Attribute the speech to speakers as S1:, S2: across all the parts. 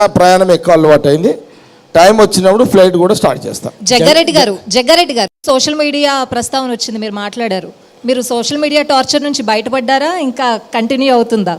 S1: ప్రయాణం ఎక్కువ అలవాటు అయింది. టైం వచ్చినప్పుడు ఫ్లైట్ కూడా స్టార్ట్ చేస్తాం.
S2: జగ్గారెడ్డి గారు సోషల్ మీడియా ప్రస్తావన వచ్చింది, మీరు మాట్లాడారు. మీరు సోషల్ మీడియా టార్చర్ నుంచి బయటపడ్డారా, ఇంకా కంటిన్యూ అవుతుందా?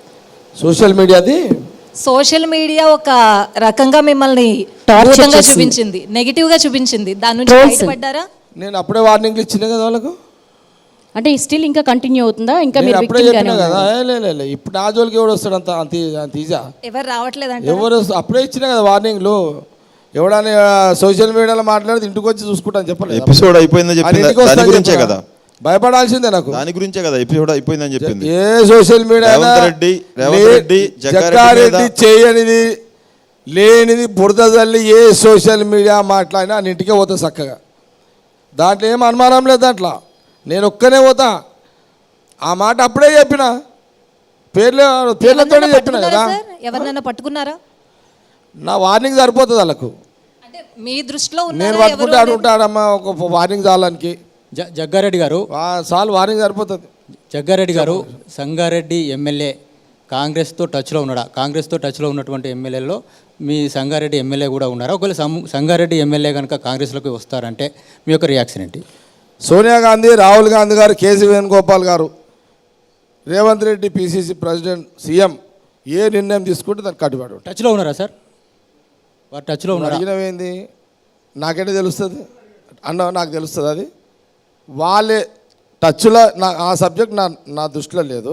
S2: సోషల్ మీడియా ఒక రకంగా మిమ్మల్ని టార్చర్గా చూపించింది, నెగిటివ్ గా చూపించింది. దాని నుంచి బయటపడ్డారా?
S1: నేను అప్పుడే వార్నింగ్లు ఇచ్చిన కదా వాళ్ళకు.
S3: అంటే స్టిల్ ఇంకా కంటిన్యూ అవుతుందా? ఇంకా
S1: మీరు అప్పుడే చెప్పినా కదా. ఇప్పుడు నా జోలికి ఎవడు వస్తాడు? అంత ఈజా
S2: ఎవరు రావట్లేదు.
S1: ఎవరు అప్పుడే ఇచ్చినా కదా వార్నింగ్లు. ఎవడని సోషల్ మీడియాలో మాట్లాడితే ఇంటికి వచ్చి చూసుకుంటాను చెప్పలేదు.
S4: ఎపిసోడ్ అయిపోయిందని చెప్పింది కదా,
S1: భయపడాల్సిందే నాకు.
S4: దాని గురించే కదా ఎపిసోడ్ అయిపోయిందని చెప్పింది.
S1: ఏ సోషల్ మీడియా జగ్గారెడ్డి చేయనిది లేనిది బురద తల్లి ఏ సోషల్ మీడియా మాట్లాడినా అన్నింటికే పోతా చక్కగా. దాంట్లో ఏం అనుమానం లేదు. దాంట్లో నేను ఒక్కనే పోతా. ఆ మాట అప్పుడే చెప్పిన, పేర్లతోనే చెప్పిన కదా.
S2: ఎవరినైనా పట్టుకున్నారా?
S1: నా వార్నింగ్ సరిపోతుంది వాళ్ళకు.
S2: మీ దృష్టిలో
S1: నేను పట్టుకుంటే ఉంటాడమ్మా ఒక వార్నింగ్ చాలానికి.
S5: జగ్గారెడ్డి గారు
S1: చాలు, వార్నింగ్ సరిపోతుంది.
S5: జగ్గారెడ్డి గారు సంగారెడ్డి ఎమ్మెల్యే కాంగ్రెస్తో టచ్లో ఉన్నాడా? కాంగ్రెస్తో టచ్లో ఉన్నటువంటి ఎమ్మెల్యేలో మీ సంగారెడ్డి ఎమ్మెల్యే కూడా ఉన్నారా? ఒకవేళ సంగారెడ్డి ఎమ్మెల్యే కనుక కాంగ్రెస్లోకి వస్తారంటే మీ యొక్క రియాక్షన్ ఏంటి?
S1: సోనియా గాంధీ, రాహుల్ గాంధీ గారు, కేసీ వేణుగోపాల్ గారు, Revanth Reddy PCC president, CM ఏ నిర్ణయం తీసుకుంటే దానికి కట్టుబడి.
S5: టచ్లో ఉన్నారా సార్? వారు టచ్లో ఉన్నారా?
S1: అడిగినవేంది? నాకేంటి తెలుస్తుంది అన్న? నాకు తెలుస్తుంది అది. వాళ్ళే టచ్లో. ఆ సబ్జెక్ట్ నా దృష్టిలో లేదు.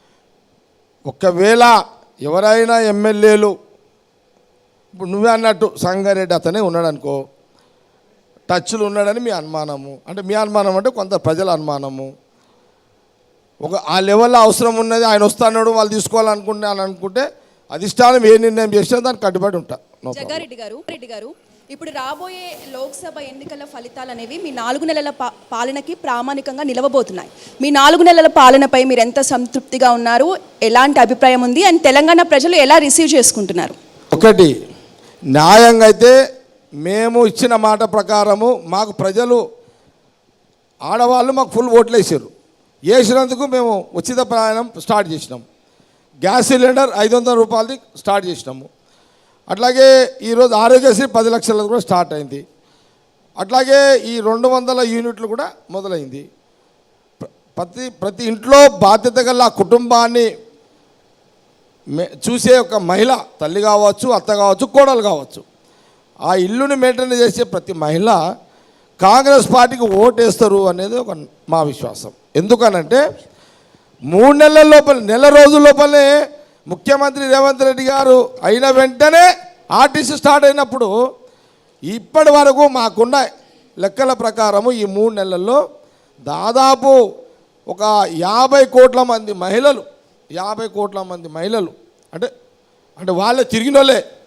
S1: ఒకవేళ ఎవరైనా ఎమ్మెల్యేలు, ఇప్పుడు నువ్వే అన్నట్టు సంగారెడ్డి అతనే ఉన్నాడు అనుకో, టచ్లు ఉన్నాడని మీ అనుమానము. అంటే మీ అనుమానం అంటే కొంత ప్రజల అనుమానము. ఆ లెవెల్లో అవసరం ఉన్నది, ఆయన వస్తాడు, వాళ్ళు తీసుకోవాలనుకుంటే అధిష్టానం ఏ నిర్ణయం చేసినా దానికి కట్టుబడి ఉంటా.
S6: జగ్గారెడ్డి గారు ఇప్పుడు రాబోయే లోక్సభ ఎన్నికల ఫలితాలు అనేవి మీ 4 నెలల పాలనకి ప్రామాణికంగా నిలవబోతున్నాయి. మీ 4 నెలల పాలనపై మీరు ఎంత సంతృప్తిగా ఉన్నారు? ఎలాంటి అభిప్రాయం ఉంది? అండ్ తెలంగాణ ప్రజలు ఎలా రిసీవ్ చేసుకుంటున్నారు?
S1: ఒకటి, న్యాయంగా అయితే మేము ఇచ్చిన మాట ప్రకారము మాకు ప్రజలు, ఆడవాళ్ళు మాకు ఫుల్ ఓట్లు వేసినందుకు మేము ఉచిత ప్రయాణం స్టార్ట్ చేసినాం. గ్యాస్ సిలిండర్ 500 రూపాయలది స్టార్ట్ చేసినాము. అట్లాగే ఈరోజు ఆరోగ్యశ్రీ 10 లక్షలది కూడా స్టార్ట్ అయింది. అట్లాగే ఈ 200 యూనిట్లు కూడా మొదలైంది. ప్రతి ఇంట్లో బాధ్యత గల కుటుంబాన్ని చూసే ఒక మహిళ, తల్లి కావచ్చు, అత్త కావచ్చు, కోడలు కావచ్చు, ఆ ఇల్లుని మెయింటైన్ చేసే ప్రతి మహిళ కాంగ్రెస్ పార్టీకి ఓటేస్తారు అనేది ఒక మా విశ్వాసం. ఎందుకనంటే 3 నెలల లోపల, నెల రోజుల లోపలే ముఖ్యమంత్రి రేవంత్ రెడ్డి గారు అయిన వెంటనే ఆర్టీసీ స్టార్ట్ అయినప్పుడు ఇప్పటి వరకు మాకున్న లెక్కల ప్రకారము ఈ 3 నెలల్లో దాదాపు ఒక 50 కోట్ల మంది మహిళలు, 50 కోట్ల మంది మహిళలు అంటే వాళ్ళే తిరిగిన వాళ్ళే